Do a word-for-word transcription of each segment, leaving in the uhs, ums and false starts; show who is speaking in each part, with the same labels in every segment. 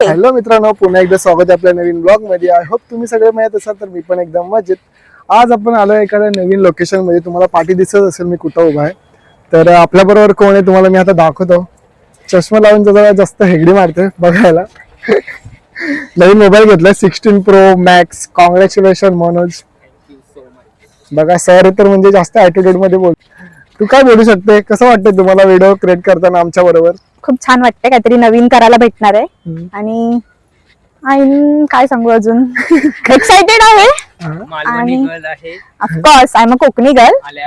Speaker 1: Hello मित्रांनो, पुन्हा एकदा स्वागत आहे आपल्या नवीन ब्लॉग मध्ये. आय होप तुम्ही सगळे मजेत असाल. तर मी पण एकदम मजेत. आज आपण आलो एखाद्या नवीन लोकेशन मध्ये. तुम्हाला पाठी दिसत असेल मी कुठं उभा आहे. तर आपल्या बरोबर कोण आहे तुम्हाला मी आता दाखवतो. चष्मा लावून जरा जास्त हेगडी मारते बघायला. नवीन मोबाईल घेतलाय sixteen pro max. Congratulation Manoj. बघा सर तर म्हणजे जास्त ऍटिट्यूड मध्ये बोल. तू काय बोलू शकते, कसं वाटतंय तुम्हाला व्हिडिओ क्रिएट करताना आमच्या बरोबर?
Speaker 2: खूप छान वाटतंय, काहीतरी नवीन करायला भेटणार आहे. आणि आणि काय सांगू अजून, एक्साइटेड आहे. आणि of course I am a Konkani girl.
Speaker 1: आल्या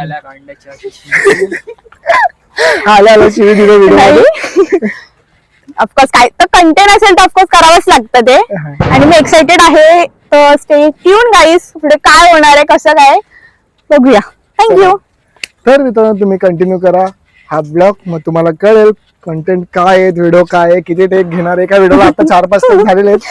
Speaker 1: आल्या शिवी दिले व्हिडिओ.
Speaker 2: ऑफकोर्स काय तर कंटेंट असेल तर ऑफकोर्स करावंच लागतं ते. आणि मी एक्साइटेड आहे. तर स्टे ट्यून गाईस, पुढे काय होणार आहे कसं काय बघूया. थँक्यू.
Speaker 1: तर मित्रांनो तुम्ही कंटिन्यू करा हा ब्लॉग, मग तुम्हाला कळेल कंटेंट काय आहे, व्हिडिओ काय आहे, किती टेक घेणार. एका व्हिडिओला आता चार पाच टेक झालेले आहेत.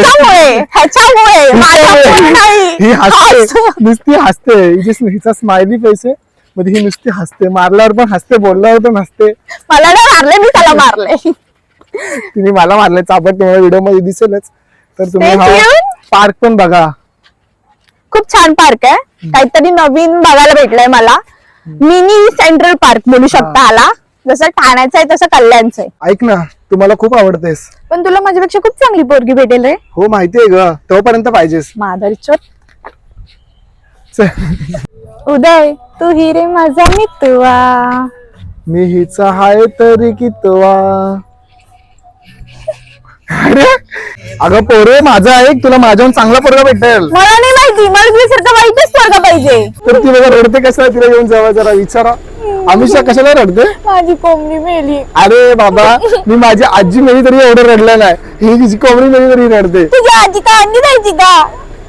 Speaker 1: ही हसते, नुसती हसते. हिचा स्माइली फेस आहे, मध्ये ही नुसती हसते. मारल्यावर पण हसते, बोलल्यावर पण हसते.
Speaker 2: मला नाही मारले, मी त्याला मारले.
Speaker 1: तिने मला मारले चापट. तुम्हाला व्हिडिओ मध्ये दिसेलच. तर तुम्ही हा पार्क पण बघा.
Speaker 2: खूप छान पार्क आहे, काहीतरी नवीन बघायला भेटलंय मला. मिनी सेंट्रल पार्क बोलू शकता आला. जसं ठाण्याचं आहे तसं कल्याणचं आहे.
Speaker 1: ऐक ना, तुम्हाला खूप आवडतेस
Speaker 2: पण तुला माझ्यापेक्षा खूप चांगली पोरगी भेटेल रे.
Speaker 1: हो माहितीये ग, तोपर्यंत पाहिजेस.
Speaker 2: माधरचोत. उदय तू ही रे माझा मितवा,
Speaker 1: मी हिचा हाय तरी कितवा. अरे अगं पोरे, माझा ऐक, तुला माझ्याहून चांगला पोरगा भेटेल.
Speaker 2: मला नाही माहिती, मला तुझ्यासारखं वाईटच पोरगा पाहिजे.
Speaker 1: तर ती बघा रडते कसं, तिला घेऊन जावा जरा विचारा. अमिषा कशाला रडते?
Speaker 2: माझी कोंबडी मेली.
Speaker 1: अरे बाबा, मी माझी आजी मेली तरी एवढं रडलं नाही. ही तिची कोंबडी मेली तरी रडते.
Speaker 2: तुझी आजी काय अंडी द्यायची का?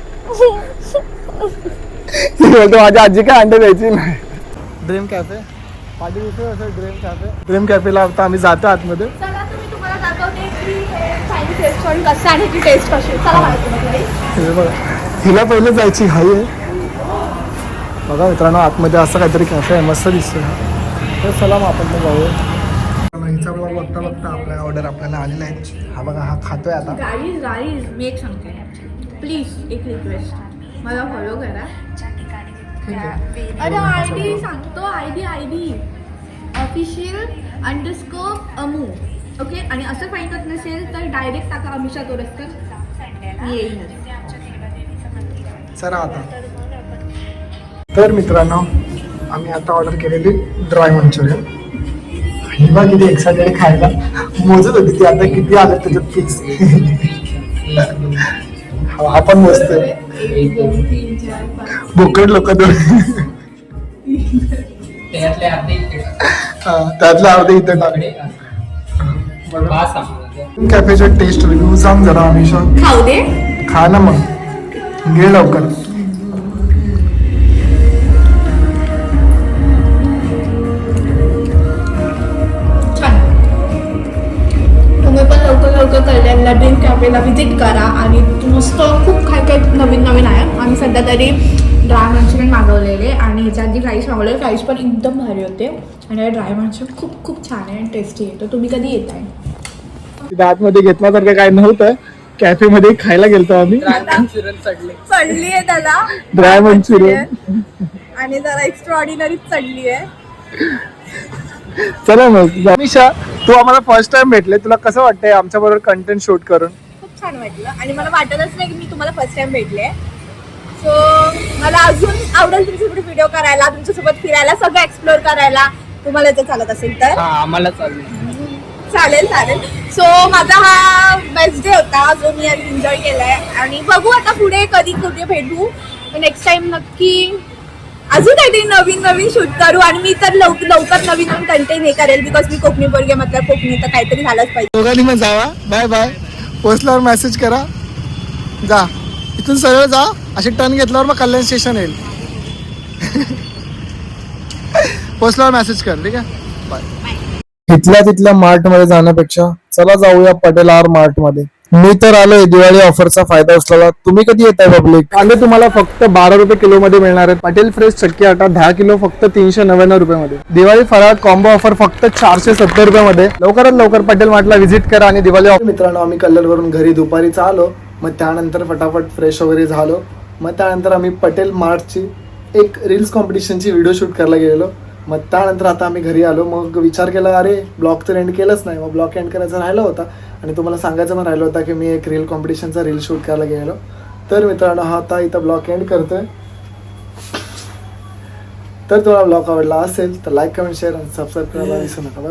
Speaker 1: ती बोलते माझी आजी काय अंडे द्यायची नाही. ड्रीम कॅफे पाठी दिसत असेल. ड्रीम कॅफे ड्रीम कॅफेला आता आम्ही जातो आतमध्ये.
Speaker 2: चला तुम्ही तुम्हाला दाखवते की हे चायनीज रेस्टॉरंट कसं आणि ती टेस्ट कशी. चला
Speaker 1: हे बघा, हिला पहिले जायची घाई आहे. बघा मित्रांनो, आतमध्ये असं काहीतरी कॅफे आहे, मस्त दिसतोय. तर चला मग आपण पण जाऊया. हिचा ब्लॉग बघता बघता आपल्या ऑर्डर आपल्याला आलेला आहे. हा बघा, हा खातोय आता.
Speaker 3: गाईज गाईज मी एक सांगते, प्लीज एक रिक्वेस्ट, मला फॉलो करा. अरे आय डी सांगतो, I D I D official underscore Amu. Okay, आणि असं फाईंड होत नसेल तर डायरेक्ट टाका अमिषा तोरसकर, मी येईल.
Speaker 1: चला आता. तर मित्रांनो, आम्ही आता ऑर्डर केलेली ड्राय मंचुरियन. हिवा किती एक्साइटेड खायला, मोजत होती ती आता किती आलं त्याच्यात फिक्स. हा पण मस्त आहे. बोकड लोक दोन, त्यातले अर्धे इथे टाकले. कॅफेचे टेस्ट रिव्ह्यू सांग जरा अमिषा.
Speaker 3: खाऊ दे,
Speaker 1: खा ना मग, घे लवकर.
Speaker 3: तुम्ही पण लवकर लवकर कल्याणला ड्रीम कॅफेला व्हिजिट करा. आणि मस्त खूप काय काय नवीन नवीन आहे. आम्ही सध्या तरी ड्राय मंचुरियन मागवलेले आणि ह्याच्या आधी राईस मागवलेले. राईस पण एकदम भारी होते आणि ड्राय मंचुरियन खूप खूप छान आहे आणि टेस्टी आहे. तर तुम्ही कधी येत आहे?
Speaker 1: आतमध्ये घेतल्यासारखं काय नव्हतं. कॅफे मध्ये खायला गेलतो आम्ही.
Speaker 3: चढली आहे त्याला
Speaker 1: ड्राय मंचुरियन
Speaker 3: आणि जरा एक्स्ट्रा ऑर्डिनरी चढली आहे.
Speaker 1: चला मग अमिषा, तू आम्हाला फर्स्ट टाइम भेटले, तुला कसं वाटतंय आमच्या बरोबर कंटेंट शूट करून?
Speaker 3: खूप छान वाटलं आणि मला वाटतच नाही की मी तुम्हाला फर्स्ट टाइम भेटले. सो मला अजून आवडेल तुमच्यासोबत व्हिडिओ करायला, तुमच्यासोबत फिरायला, सगळं एक्सप्लोर करायला. तुम्हाला जर चालत असेल तर
Speaker 4: आम्हाला चालेल
Speaker 3: चालेल चालेल सो माझा हा बेस्ट डे होता जो मी आज एन्जॉय केलाय. आणि बघू आता पुढे कधी कुठे भेटू. नेक्स्ट टाइम नक्की अजून काहीतरी नवीन नवीन शूट करू. आणि मी तर लवकर लवकर नवीन नवीन कंटेंट हे करेल, बिकॉज मी कोकणी पोरगी मतलब कोकणी तर काहीतरी झालंच पाहिजे.
Speaker 1: दोघांनी मग जावा. Bye bye. पोचल्यावर मेसेज करा. जा, इथून सरळ जा. असे टर्न घेतल्यावर मग कल्याण स्टेशन येईल. पोचल्यावर मेसेज कर, ठीक आहे. बाय. तिथल्या तिथल्या मार्ट मध्ये जाण्यापेक्षा चला जाऊया पटेल आर मार्ट मध्ये. मी तर आलोय दिवाळी ऑफरचा फायदा उचलायला. तुम्ही कधी येताय पब्लिक? कांदे तुम्हाला फक्त बारा रुपये किलो मध्ये मिळणार आहेत. पाटील फ्रेश चक्की आटा दहा किलो फक्त तीनशे नव्याण्णव रुपये मध्ये. दिवाळी फराळ कॉम्बो ऑफर फक्त चारशे सत्तर रुपये मध्ये. लवकरात लवकर पटेल मार्टला व्हिजिट करा आणि दिवाळी ऑफर. मित्रांनो, आम्ही कल्लरवरून घरी दुपारीच आलो, मग त्यानंतर फटाफट फ्रेश वगैरे झालो. मग त्यानंतर आम्ही पटेल मार्टची एक रील्स कॉम्पिटिशनची व्हिडिओ शूट करायला गेलेलो. मग त्यानंतर आता आम्ही घरी आलो. मग विचार केला, अरे ब्लॉग तर एंड केलंच नाही. मग ब्लॉग एंड करायचा राहिला होता आणि तुम्हाला सांगायचं पण राहिलं होता की मी एक रील कॉम्पिटिशनचा रील शूट करायला गेलो. तर मित्रांनो, हा आता इथं ब्लॉग एंड करतोय. तर तुम्हाला ब्लॉग आवडला असेल तर लाईक कमेंट शेअर आणि सबस्क्राईब करायला विसरू नका.